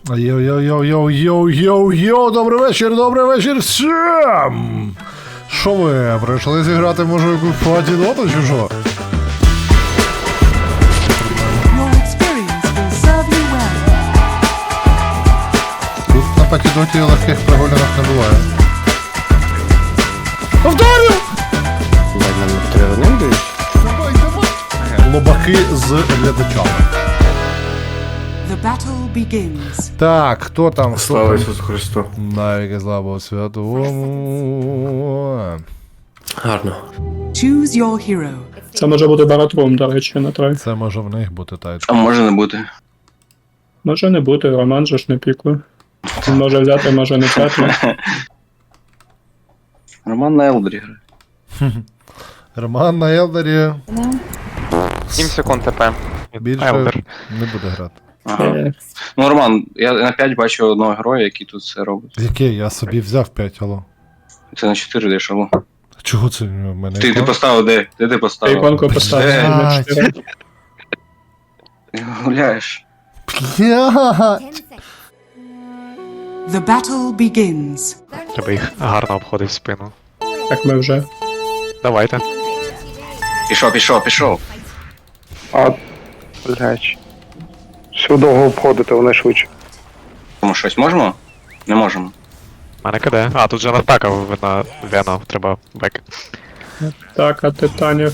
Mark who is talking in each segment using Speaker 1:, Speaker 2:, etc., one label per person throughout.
Speaker 1: Йоу-йоу-йоу-йоу-йоу-йоу, добрий вечір всім! Що ви, прийшли зіграти, може, якусь платіноту чи що? Тут на патідоті легких прогулянок не буває. Повторю! Лобаки з глядачами.
Speaker 2: The battle begins.
Speaker 1: Так, хто там?
Speaker 3: Слава Ісусу Христу.
Speaker 1: Навіки слава святому.
Speaker 3: Гарно.
Speaker 2: Choose your hero.
Speaker 4: Це може бути баратрум, до речі, на трай.
Speaker 1: Це може в них бути тайт.
Speaker 5: А може не бути.
Speaker 4: Може не бути, Роман же ж не пікує. Він може взяти, може не взяти.
Speaker 5: Роман на Елдері грає.
Speaker 1: Роман на Елдері
Speaker 6: 7 секунд ТП.
Speaker 1: більше
Speaker 6: Елдер.
Speaker 1: не буде грати.
Speaker 5: Ага. Ну, Роман, я на 5 бачу одного героя, який тут це робить.
Speaker 1: Який? Я собі взяв 5, алло.
Speaker 5: Це на 4 даєш, алло.
Speaker 1: Чого це в мене?
Speaker 5: Ти поставив де? Де ти поставив?
Speaker 4: Іконку поставив
Speaker 5: Де?
Speaker 4: на 4.
Speaker 5: Ти гуляєш.
Speaker 1: Блядь!
Speaker 2: The battle begins.
Speaker 6: Треба їх гарно обходити в спину.
Speaker 4: Так ми вже.
Speaker 6: Давайте.
Speaker 5: Пішов.
Speaker 7: А, блядь. Все довго обходити, вони швидше.
Speaker 5: Тому щось можемо? Не можемо.
Speaker 6: Мене киде. А, тут же атака на Вена, треба бек.
Speaker 4: Так, а титанів.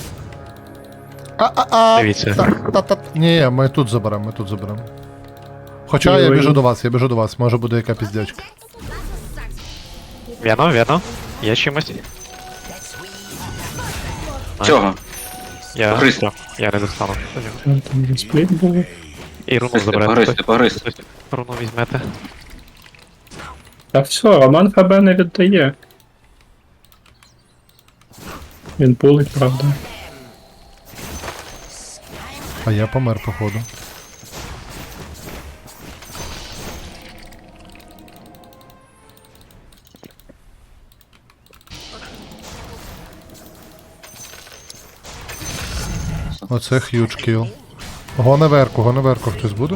Speaker 6: Дивіться.
Speaker 1: Ні, ми тут заберемо, Хоча я
Speaker 4: Ой.
Speaker 1: біжу до вас, може буде яка піздячка.
Speaker 6: Вено. Є чимось?
Speaker 5: Цього.
Speaker 6: Я
Speaker 5: Погризти.
Speaker 6: Я не достану.
Speaker 4: Там вже спліт був.
Speaker 6: І руну заберете.
Speaker 5: Погризти.
Speaker 6: Руну візьмете.
Speaker 4: Та все, Роман ФБ не віддає. Він пулить, правда.
Speaker 1: А я помер, походу. Оце х'юдж кіл. Го наверху, хтось буде?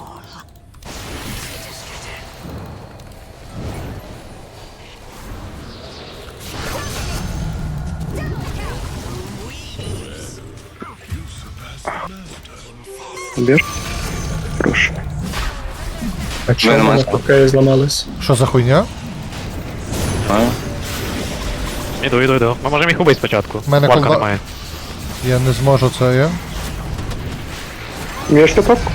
Speaker 7: Біж? Прошу.
Speaker 4: А чому
Speaker 5: Нема
Speaker 4: вони
Speaker 5: спа.
Speaker 4: поки зламались?
Speaker 1: Що за хуйня?
Speaker 6: Іду. Ми можемо їх убити спочатку.
Speaker 1: Мене
Speaker 6: Флака
Speaker 1: колда-
Speaker 6: немає.
Speaker 1: Я не зможу це, я.
Speaker 7: Вмієш ти топку?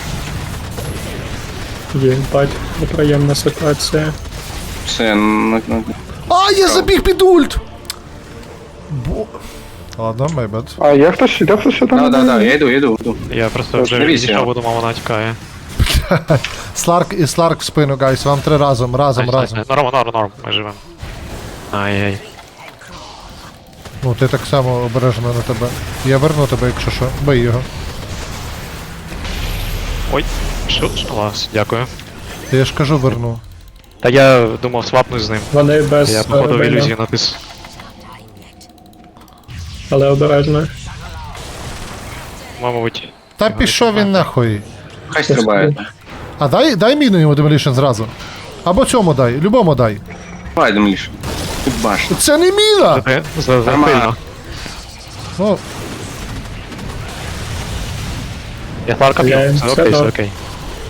Speaker 4: Єбать, неприємна ситуація.
Speaker 5: Все,
Speaker 1: А, я забіг під ульт! Ладно, my bad.
Speaker 7: А є хтось сюди?
Speaker 5: Да, я йду.
Speaker 6: Я просто вже
Speaker 5: Дивіться.
Speaker 6: відійшов, бо думав, вона тікає.
Speaker 1: Сларк в спину, гайс, вам три разом.
Speaker 6: Норм, ми живемо. Ай-яй.
Speaker 1: Ну, ти так само обережно на тебе. Я верну тебе, якщо що. Бий його.
Speaker 6: Ой, що? Клас, дякую.
Speaker 1: Я ж кажу, верну.
Speaker 6: Та я думав свапнуть з ним.
Speaker 4: Вони без
Speaker 6: Я походу в
Speaker 4: Вена,
Speaker 6: ілюзію натис.
Speaker 4: але обережно.
Speaker 6: Мабуть.
Speaker 1: Та пішов він нахуй.
Speaker 5: Хай стрибає.
Speaker 1: А дай міну йому демолішн зразу. Або цьому дай, любому дай.
Speaker 5: Давай, Демліш. Тут баш.
Speaker 1: Це не міна!
Speaker 6: Запильно.
Speaker 1: Ну,
Speaker 6: Я Фларка б'ю.
Speaker 4: Я-
Speaker 6: Все окей,
Speaker 4: все
Speaker 6: все окей.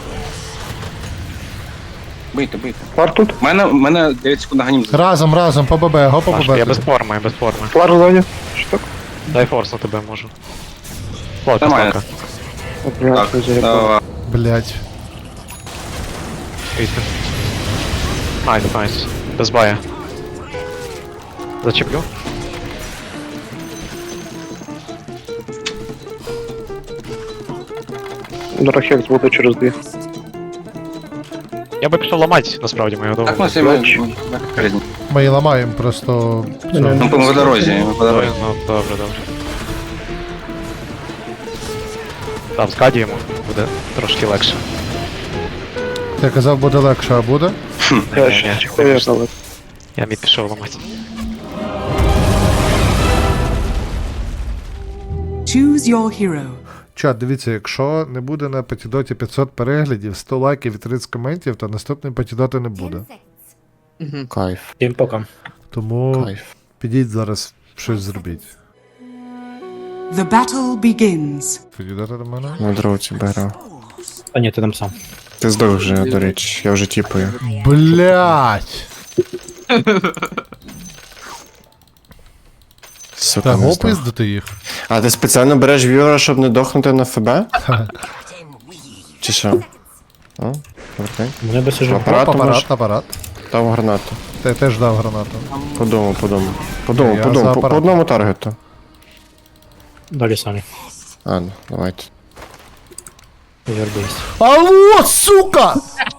Speaker 5: Бийте.
Speaker 7: Флар тут?
Speaker 5: У мене 9 секунд ганім.
Speaker 1: разом, по ББ, го по
Speaker 6: Маш, я без
Speaker 1: ББ.
Speaker 6: форми.
Speaker 7: Флар в зоні. Що так?
Speaker 6: Дай форс на тебе можу. Фларка,
Speaker 5: Нормально.
Speaker 6: Фларка.
Speaker 7: От, блядь,
Speaker 5: Так,
Speaker 7: не заїбав.
Speaker 5: давай.
Speaker 1: Блять.
Speaker 6: Вийти. Найс. Без бая. Зачеплю.
Speaker 7: Драхекс буде через 2.
Speaker 6: Я би пішов ламати, насправді, мою
Speaker 5: Так,
Speaker 6: довго.
Speaker 5: ми всі різні.
Speaker 1: Ми її ламаємо, просто.
Speaker 4: Ні,
Speaker 1: Все.
Speaker 5: Ну, по дорозі.
Speaker 6: Ну, добре. Там скадіємо, буде трошки легше.
Speaker 1: Я казав, буде легше, а буде?
Speaker 7: Я
Speaker 6: Ні,
Speaker 7: ще
Speaker 6: ні,
Speaker 7: чекаю, але...
Speaker 6: Я мід пішов ламати.
Speaker 2: Choose your hero.
Speaker 1: Чат, дивіться, якщо не буде на Патідоті 500 переглядів, 100 лайків і 30 коментів, то наступної Патідоти не буде.
Speaker 8: Кайф,
Speaker 4: Всім пока.
Speaker 1: Тому
Speaker 8: кайф.
Speaker 1: підіть зараз щось зробіть.
Speaker 2: The battle begins.
Speaker 1: Підійдете до мене?
Speaker 8: На дроуті беру.
Speaker 4: А ні, ти там сам.
Speaker 8: Ти здох вже, до речі, я вже тіпаю.
Speaker 1: Блять!
Speaker 8: Сука,
Speaker 1: Та
Speaker 8: не
Speaker 1: го
Speaker 8: здох.
Speaker 1: пиздити їх.
Speaker 8: А ти спеціально береш в'юра, щоб не дохнути на ФБ? Чи що? О, окей.
Speaker 4: Мене би сижу.
Speaker 8: Апарат
Speaker 1: Апарат,
Speaker 8: може?
Speaker 1: апарат.
Speaker 8: Дав гранату.
Speaker 1: Ти теж дав гранату.
Speaker 8: Подумав.
Speaker 1: Я за
Speaker 8: По
Speaker 1: апарат.
Speaker 8: одному таргету.
Speaker 4: Далі самі.
Speaker 8: А, ну, давайте.
Speaker 4: Зербись.
Speaker 1: Алло, сука!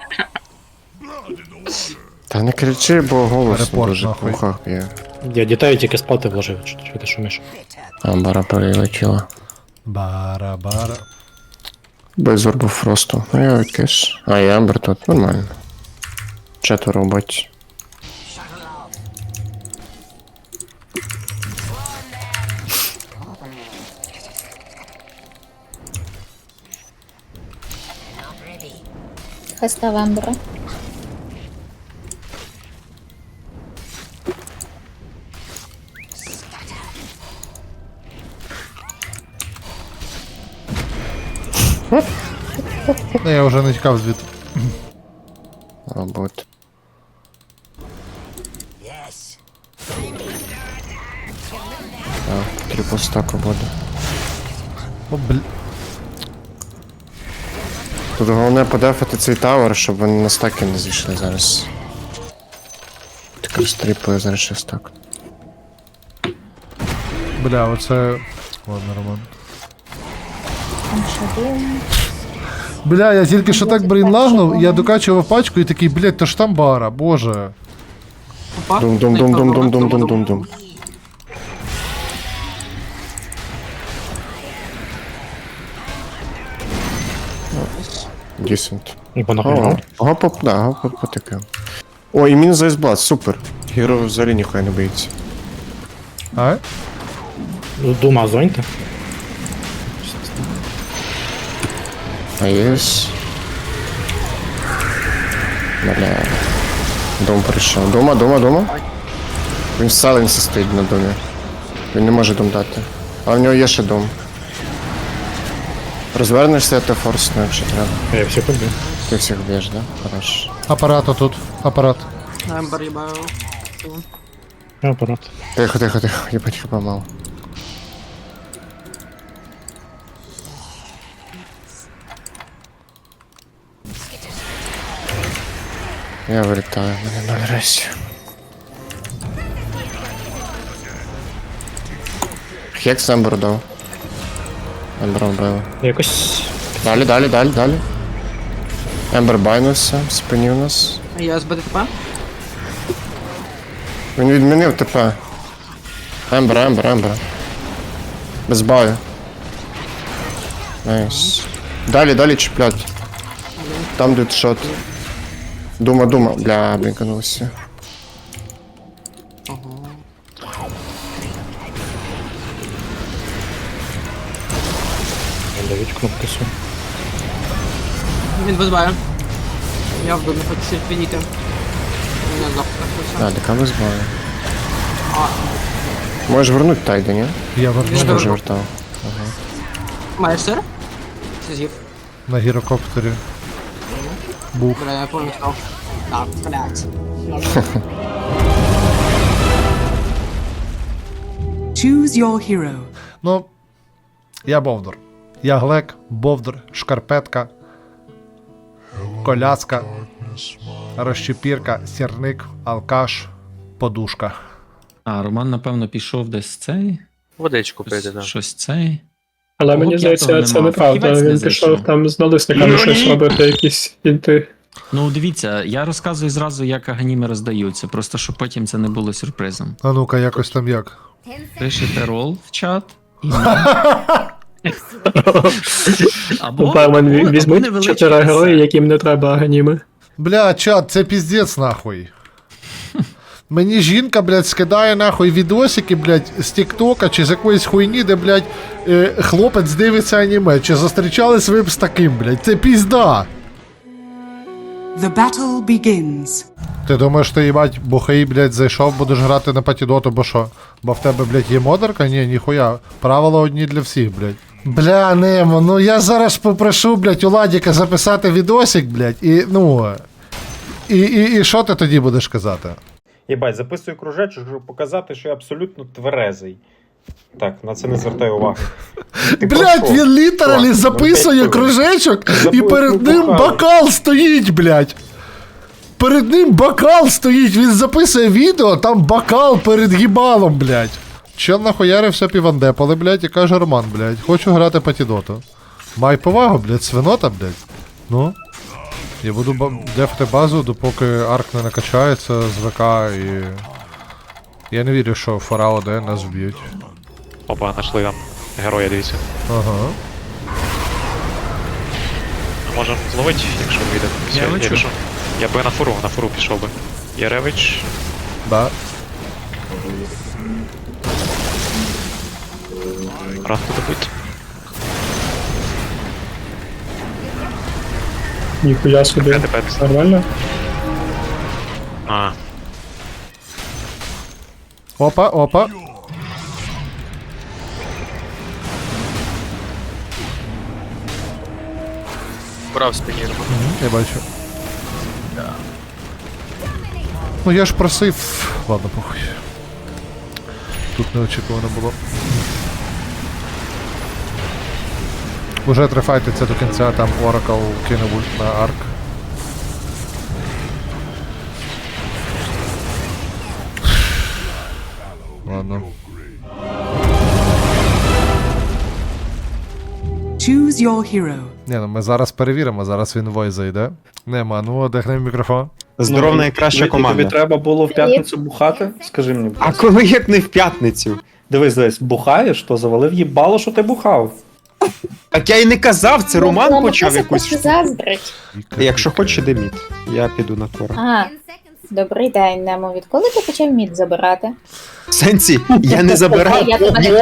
Speaker 8: Та не кричи, бо голос
Speaker 1: Репорт,
Speaker 8: дуже в
Speaker 1: нахуй.
Speaker 8: ухах є.
Speaker 4: Я дітей тільки спати вложив, що ти шумиш.
Speaker 8: А, бара перелетіла.
Speaker 1: Бара-бара.
Speaker 8: Без орбу Фросту. Ну я кеш. А, і Ембер тут, нормально. Четверо бать.
Speaker 9: Хреста Вембера.
Speaker 1: Ну, я вже не тікав звідти.
Speaker 8: А, бот. Так, трипл стаку буде.
Speaker 1: О, бл...
Speaker 8: Тут головне подефати цей тавер, щоб вони на стаки не зійшли зараз. Таке стріпує зараз ще стак.
Speaker 1: Бля, оце... Ладно, Роман.
Speaker 9: Там шадим.
Speaker 1: Бля, я тільки що так брейнлагнув, я докачував пачку і такий, блядь, то ж там бара, боже.
Speaker 8: Дум-дум-дум-дум-дум-дум-дум-дум-дум. Дісент.
Speaker 4: І понахуй.
Speaker 8: Гоп потикав. О, і мінус Айсблад, супер. Гіро взагалі ніхуя не боїться.
Speaker 1: А?
Speaker 4: Дума зоньте.
Speaker 8: А єс. Бля. Дом прийшов. Дома. Він в сайленсі стоїть на домі. Він не може дом дати. А в нього є ще дом. Розвернешся, ти форсну, якщо треба.
Speaker 4: Я всіх убив.
Speaker 8: Ти всіх б'єш, да? Хорош.
Speaker 1: Апарат отут, апарат.
Speaker 4: Я апарат.
Speaker 8: Тихо, єбать хіба мало. Я вилітаю, мене 0 рейсів. Хекс Ембер дав. Ембер вбили.
Speaker 4: Якось.
Speaker 8: Далі. Ембер байнувся, спинів нас.
Speaker 10: Я з БДТП?
Speaker 8: Він відмінив ТП. Ембер. Без баю. Найс. Далі чіплять. Там тут шот. Дума. Бля, блінканувся.
Speaker 4: Давіть кнопки су.
Speaker 10: Він без баю. Я вбив, не хочу щось підійти. У мене завтра.
Speaker 8: А, дека без баю. Можеш вернуть тайда, ні?
Speaker 1: Я
Speaker 8: Що
Speaker 1: вернув
Speaker 8: вже вертав?
Speaker 10: Маєш сир? Це з'їв.
Speaker 1: на гірокоптері. Бух.
Speaker 10: Бля, я помню став. Так, блядь.
Speaker 2: Choose your hero.
Speaker 1: Ну, я Бовдур. Я Глек, Бовдур, Шкарпетка, Коляска, Розчепірка, Сірник, Алкаш, Подушка.
Speaker 11: А, Роман, напевно, пішов десь цей.
Speaker 3: Водичку пити,
Speaker 11: Щось,
Speaker 3: да.
Speaker 11: щось цей.
Speaker 4: Але
Speaker 11: Кого
Speaker 4: мені
Speaker 11: б я того
Speaker 4: здається, це
Speaker 11: не мав?
Speaker 4: неправда.
Speaker 11: Фахівець не
Speaker 4: Він
Speaker 11: зайшов.
Speaker 4: пішов там з налисниками щось робити, якісь інти.
Speaker 11: Ну, дивіться, я розказую зразу, як аганіми роздаються, просто щоб потім це не було сюрпризом.
Speaker 1: А ну-ка, якось там як.
Speaker 11: Пишете рол в чат. І... або
Speaker 4: Бармен, візьмуть
Speaker 11: невеличкий
Speaker 4: 4 герої,
Speaker 11: рецепт.
Speaker 4: яким не треба аганіми.
Speaker 1: Бля, чат, це піздець нахуй. Мені жінка, блядь, скидає нахуй відосики, блядь, з Тіктока чи з якоїсь хуйні, де, блядь, хлопець дивиться аніме. Чи зустрічались ви б з таким, блядь? Це пізда.
Speaker 2: The battle begins.
Speaker 1: Ти думаєш, ти, їбать, бухий, блядь, зайшов, будеш грати на патідоту, бо що? Бо в тебе, блядь, є модерка? Ні, ніхуя. Правила одні для всіх, блядь. Бля, Немо, ну я зараз попрошу, блядь, у Ладіка записати відосик, блядь, і, ну... І що ти тоді будеш казати?
Speaker 12: Єбать, записую кружечок, щоб показати, що я абсолютно тверезий. Так, на це не звертай уваги. Ти про
Speaker 1: Блядь,
Speaker 12: що?
Speaker 1: він літералі
Speaker 12: Чувак,
Speaker 1: записує
Speaker 12: ну,
Speaker 1: кружечок, і
Speaker 12: Записуй,
Speaker 1: перед ним
Speaker 12: бухали.
Speaker 1: бокал стоїть, блядь. Перед ним бокал стоїть, він записує відео, там бокал перед гібалом, блядь. Чел нахуярився півандепали, блядь, і каже: Роман, блядь, хочу грати патідоту. Май повагу, блядь, свинота, блядь. Ну. Я буду дефти базу, допоки арк не накачається з ВК і... Я не вірю, що фора ОД нас вб'ють.
Speaker 6: Опа, знайшли там героя, дивіться.
Speaker 1: Ага.
Speaker 6: Можемо зловити, якщо вийде.
Speaker 11: Я
Speaker 6: Все,
Speaker 11: лечу.
Speaker 6: якщо- Я би на фуру пішов би. Яревич.
Speaker 1: Да.
Speaker 6: Рад буде бити.
Speaker 4: Ніхуя собі.
Speaker 6: Я тепер.
Speaker 4: Нормально?
Speaker 6: А,
Speaker 1: Опа, опа.
Speaker 3: Брав спині.
Speaker 1: Я бачу. Ну я ж просив. Ладно, похуй. Тут неочікувано було. Уже трифайтиться до кінця, там Oracle кине ульт на арк. Ладно.
Speaker 2: Choose your hero.
Speaker 1: Ні, ну ми зараз перевіримо, зараз він вой зайде. Нема, ну одягни мікрофон.
Speaker 12: Здоров, найкраща команда. Тобі треба було в п'ятницю бухати? Скажи мені.
Speaker 7: А коли як не в п'ятницю?
Speaker 12: Дивись, бухаєш, то завалив їбало, що ти бухав.
Speaker 7: Так я й не казав, це Роман
Speaker 9: Ну,
Speaker 7: почав
Speaker 9: це
Speaker 7: якусь.
Speaker 9: просто заздрить.
Speaker 7: Якщо хочеш, іди мід. Я піду на тора.
Speaker 9: А, добрий день, Немо. Відколи ти почав мід забирати?
Speaker 7: В сенсі, я не забирав.
Speaker 9: Я тебе не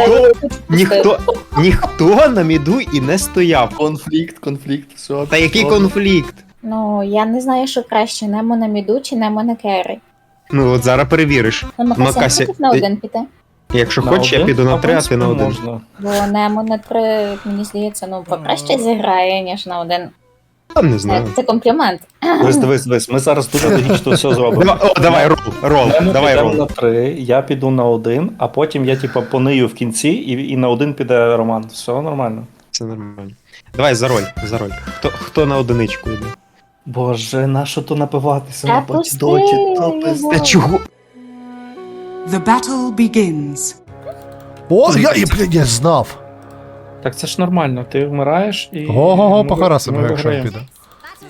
Speaker 7: Ніхто на міду і не стояв.
Speaker 3: Конфлікт, все.
Speaker 7: Та який конфлікт?
Speaker 9: Ну, я не знаю, що краще, Немо на міду чи Немо на керрі.
Speaker 7: Ну от зараз перевіриш.
Speaker 9: Ну, Макася,
Speaker 7: Макася,
Speaker 9: хотів на один піти.
Speaker 7: Якщо хочеш, я піду на 3, а ти на 1.
Speaker 12: Можна.
Speaker 9: Бо Немо на 3, мені здається, ну, покраще зіграє, ніж на 1.
Speaker 7: Та не знаю.
Speaker 9: Це комплімент.
Speaker 12: Дивись, ми зараз дуже логічно все зробимо.
Speaker 7: Давай, рол,
Speaker 12: Ми
Speaker 7: давай
Speaker 12: підемо на
Speaker 7: рол.
Speaker 12: 3, я піду на 1, а потім я типа понию в кінці і на 1 піде Роман. Все нормально.
Speaker 7: Це нормально. Давай за роль. Хто на одиничку йде?
Speaker 12: Боже, нащо то напиватися
Speaker 9: Та
Speaker 12: на
Speaker 9: пусти
Speaker 12: батідоті?
Speaker 9: його.
Speaker 7: Та чого?
Speaker 2: The battle begins.
Speaker 1: О, блядь, я знав.
Speaker 12: Так це ж нормально, ти вмираєш і...
Speaker 1: Го-го-го,
Speaker 12: ми-
Speaker 1: похарасимо,
Speaker 12: ми
Speaker 1: якщо він
Speaker 12: виграємо.
Speaker 1: піде.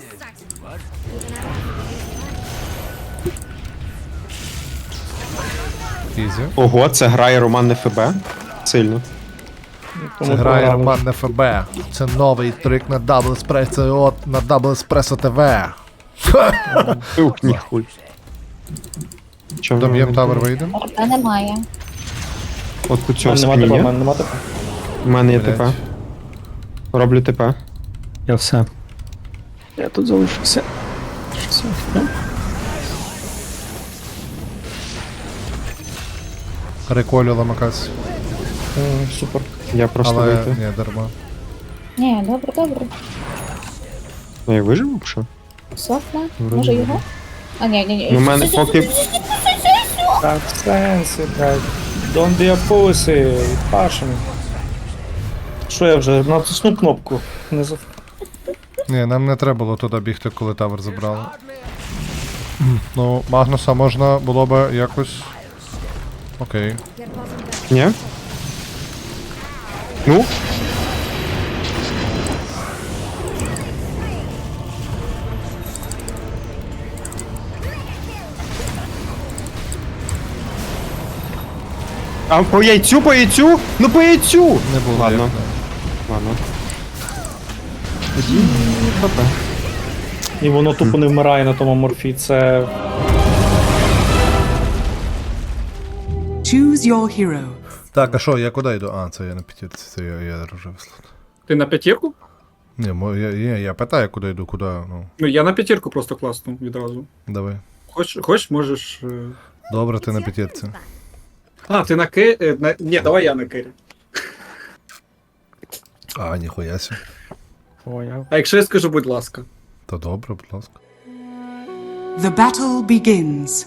Speaker 1: Ізі.
Speaker 7: Ого, це грає Роман ФБ. Сильно.
Speaker 12: Тому
Speaker 1: Це грає
Speaker 12: програли.
Speaker 1: Роман на ФБ. Це новий трик на Double Espresso на Double Espresso TV.
Speaker 7: Ух, ніхуй. Чого
Speaker 1: Дом'єм тавер вийде.
Speaker 9: Та немає.
Speaker 7: От у цього
Speaker 12: Нема
Speaker 7: спині
Speaker 12: тебе,
Speaker 7: є.
Speaker 12: нема тебе.
Speaker 7: У мене є
Speaker 1: Блядь.
Speaker 7: ТП. Роблю ТП.
Speaker 4: Я все. Я тут залишився. Все.
Speaker 1: Реколю ламакас.
Speaker 12: Супер.
Speaker 7: Я просто
Speaker 1: Але
Speaker 7: вийти.
Speaker 1: ні, дарма.
Speaker 9: Ні, добре.
Speaker 7: Ну я виживу, що?
Speaker 9: Софна, може його? А, ні.
Speaker 7: Ну, в мене поки.
Speaker 12: Так, в сенсі, блядь. Don't be a pussy, пашем. Що я вже натисну кнопку? Не за...
Speaker 1: Ні, нам не треба було туди бігти, коли тавер забрали. Ну, Магнуса можна було би якось. Окей.
Speaker 7: Ні? Ну? А по яйцю, по яйцю? Ну по яйцю!
Speaker 1: Не було.
Speaker 7: Ладно.
Speaker 1: як,
Speaker 7: Ладно.
Speaker 12: І воно тупо не вмирає на тому морфі, це...
Speaker 2: Choose your hero.
Speaker 1: Так, а що, я куди йду? А, це я на п'ятірці, це я вже вислав.
Speaker 4: Ти на п'ятірку?
Speaker 1: Ні, я питаю, куди йду, куди, ну,
Speaker 4: Ну, я на п'ятірку просто класнув відразу.
Speaker 1: давай.
Speaker 4: Хочеш, можеш.
Speaker 1: Добре, ти на п'ятірці.
Speaker 4: А, ти на Ні, давай я на кері.
Speaker 1: А, ніхуя сі.
Speaker 4: А якщо я скажу, будь ласка.
Speaker 1: То добре, будь ласка.
Speaker 2: The battle begins.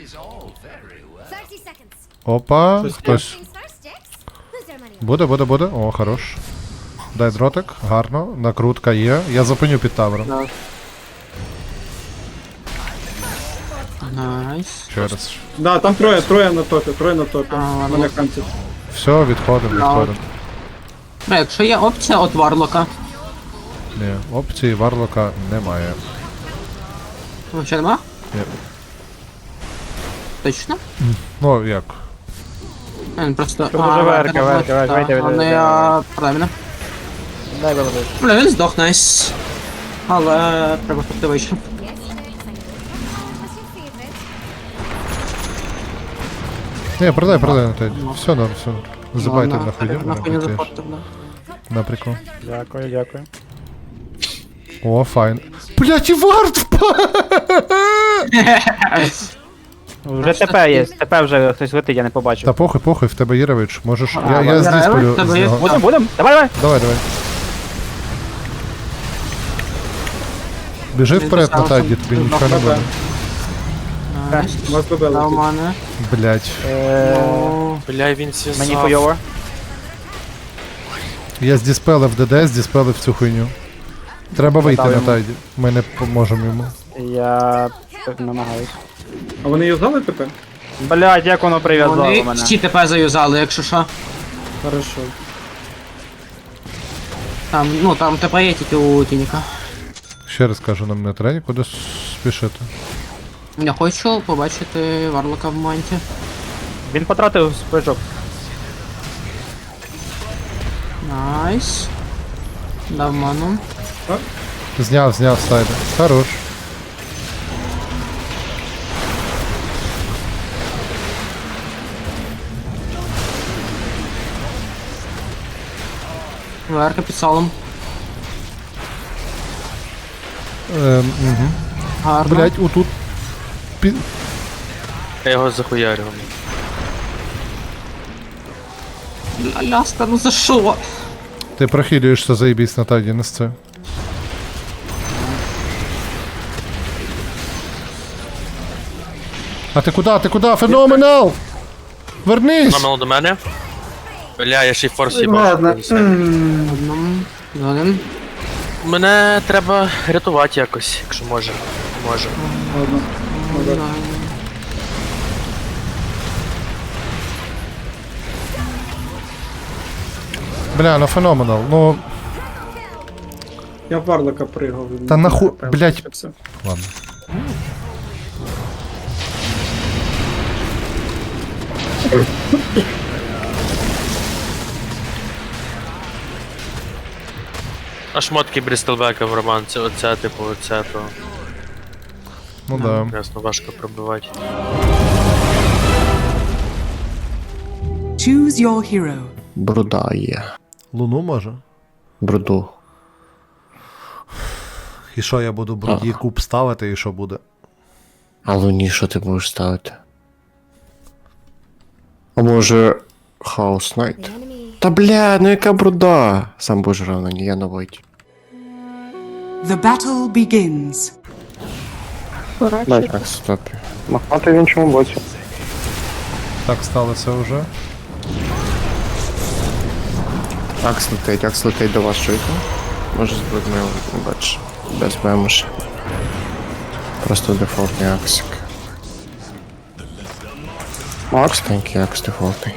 Speaker 1: Опа,
Speaker 4: Щось
Speaker 1: хтось. Буде. О, хорош. Дай дротик, гарно. Накрутка є. Я зупиню під тавером.
Speaker 10: Найс.
Speaker 1: Через.
Speaker 4: Да, там троє на топі. Мене хантять.
Speaker 1: Все, відходимо.
Speaker 10: Якщо є опція от Варлока.
Speaker 1: Ні, опції Варлока немає.
Speaker 10: Ще нема?
Speaker 1: Ні.
Speaker 10: Точно?
Speaker 1: Ну, як?
Speaker 10: Він просто...
Speaker 12: вийди.
Speaker 10: Правильно. Бля, він здох, найс. Але треба піти вище.
Speaker 1: Ні, продай на те. Все норм. Забайте на хуйню.
Speaker 10: Нахуй не заходьте, бля.
Speaker 1: На прикол.
Speaker 12: Дякую.
Speaker 1: О, файн. Блять, і вард впав!
Speaker 12: Вже ТП є, ТП вже хтось летить, я не побачив.
Speaker 1: Та похуй, в тебе Єрович. Можеш. Я здесь полю.
Speaker 10: тебе
Speaker 1: з
Speaker 10: є?
Speaker 1: нього.
Speaker 12: Будем? Давай.
Speaker 1: Давай. Біжи вперед на тайді, тобі нічого не буде.
Speaker 4: У вас ББ
Speaker 10: Та у
Speaker 4: летить.
Speaker 10: мене.
Speaker 1: Блять.
Speaker 3: Бля, він
Speaker 12: Мені хуйово.
Speaker 1: Я здіспелив ДД, здіспелив цю хуйню. Треба вийти на тайді. Ми не поможемо йому.
Speaker 12: Я намагаюсь.
Speaker 4: А вони юзали тепер?
Speaker 12: Блядь, як воно прив'язало
Speaker 10: Вони
Speaker 12: мене.
Speaker 10: всі ТП заюзали, якщо що.
Speaker 4: Хорошо.
Speaker 10: Там ТП є тільки у Тініка.
Speaker 1: Ще раз кажу, нам не треба нікуди спішити.
Speaker 10: Я хочу побачити Варлока в манті.
Speaker 12: Він потратив спичок.
Speaker 10: Найс. Дав ману.
Speaker 1: Зняв сайди. Хорош.
Speaker 10: Верка під салом.
Speaker 1: Угу.
Speaker 10: Гарно.
Speaker 1: Блять, отут.
Speaker 3: Я його захуярив.
Speaker 10: Ляска, ну за що?
Speaker 1: Ти прохилюєшся, заєбісь на тайді, не з це. А ти куди? Феноменал! Вернись!
Speaker 3: Номел до мене. Бля, я ще й форс
Speaker 4: Ладно.
Speaker 10: Одному. Один.
Speaker 3: Мене треба рятувати якось, якщо може. Може.
Speaker 1: Бля, ну феноменал. Ну,
Speaker 4: Я в Варлока пригав.
Speaker 1: Та нахуй, блядь.
Speaker 4: Все.
Speaker 1: ладно.
Speaker 3: А шмотки Брістелбека в романці, оце, типу, оце, то
Speaker 1: Ну да.
Speaker 3: ясно важко пробивати.
Speaker 2: Choose your hero.
Speaker 8: Бруда є.
Speaker 1: Луну може?
Speaker 8: Бруду.
Speaker 1: І що я буду бруді куб ставити, і що буде?
Speaker 8: А луні що ти будеш ставити? А може... Хаос Найт? Та бля, ну яка бруда? Сам будеш грав на ній, я на войті.
Speaker 2: The battle begins.
Speaker 8: Дай так, стопі.
Speaker 12: Махати в іншому боці.
Speaker 1: Так сталося вже.
Speaker 8: Акс летить до вас, чуєте? Може збити мене, бач, без мемуш. Просто дефолтний аксик. Акс, тенький акс дефолтний.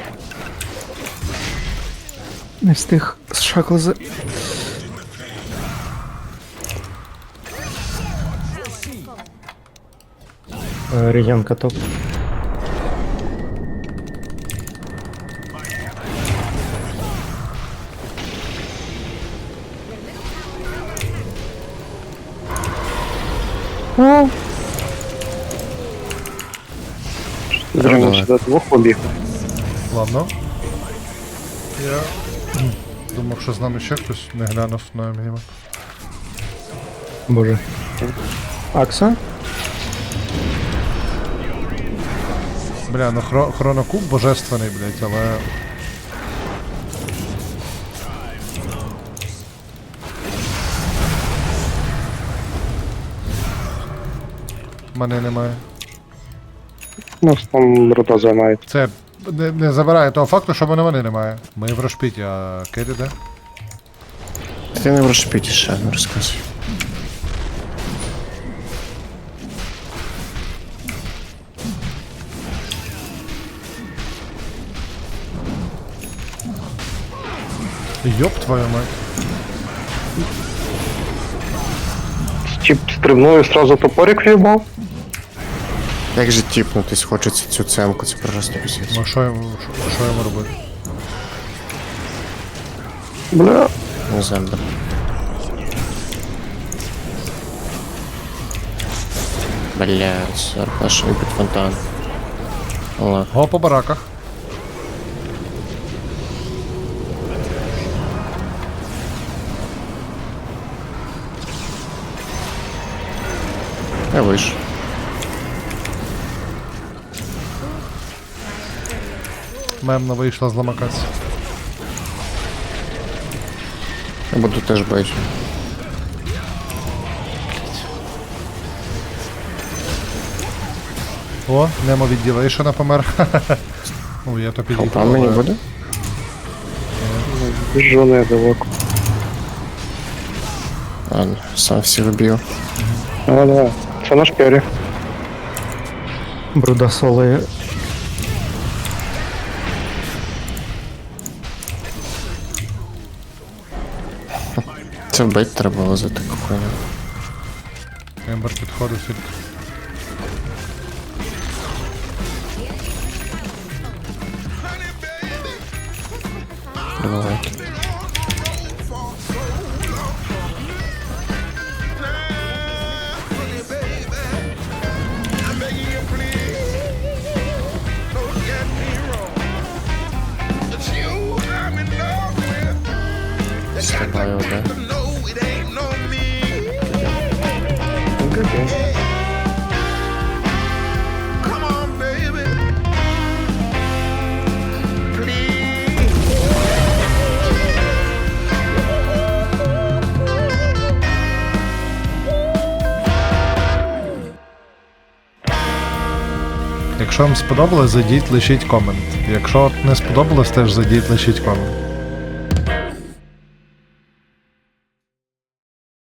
Speaker 12: Не встиг з шаклзи. Регіон каток.
Speaker 8: Давай.
Speaker 12: До двох побіг.
Speaker 1: Ладно. Я думав, що з нами ще хтось не глянув на мінімап.
Speaker 12: Боже. Акса?
Speaker 1: Бля, ну хронокуб божественний, блядь, але... Мене немає.
Speaker 12: Ну, там рота займає.
Speaker 1: Це не забирає того факту, що мене немає. Ми в Рошпіті, а Керрі де?
Speaker 8: Ти не в розшпіті ще, не розказуй.
Speaker 1: Йоп твою мать.
Speaker 12: Тип стрибнув і сразу топорик в'їбав?
Speaker 8: Як же тіпнутись хочеться цю цемку, це просто пісець.
Speaker 1: Ну що йому робити?
Speaker 12: Бля.
Speaker 8: Не знаю, бля. Блядь, Арпаш під фонтан. Ладно.
Speaker 1: Го по бараках.
Speaker 8: Я вийшов.
Speaker 1: Мемна вийшла зламакатися.
Speaker 8: Я буду теж бачити.
Speaker 1: О, Немо від Ділейшена помер. Ой, я то підійду.
Speaker 8: Фонтан мені буде?
Speaker 12: Біжу недалеко.
Speaker 8: Ладно, сам всіх вб'ю.
Speaker 12: Давай. Це наш Керрі. Бруда соли.
Speaker 8: Це вбити треба було за таку хуйню.
Speaker 1: Ембер підходить сюди.
Speaker 8: Давайте. Стрибаю, да?
Speaker 1: Якщо вам сподобалось, зайдіть, лишіть комент. Якщо не сподобалось, теж зайдіть, лишіть комент.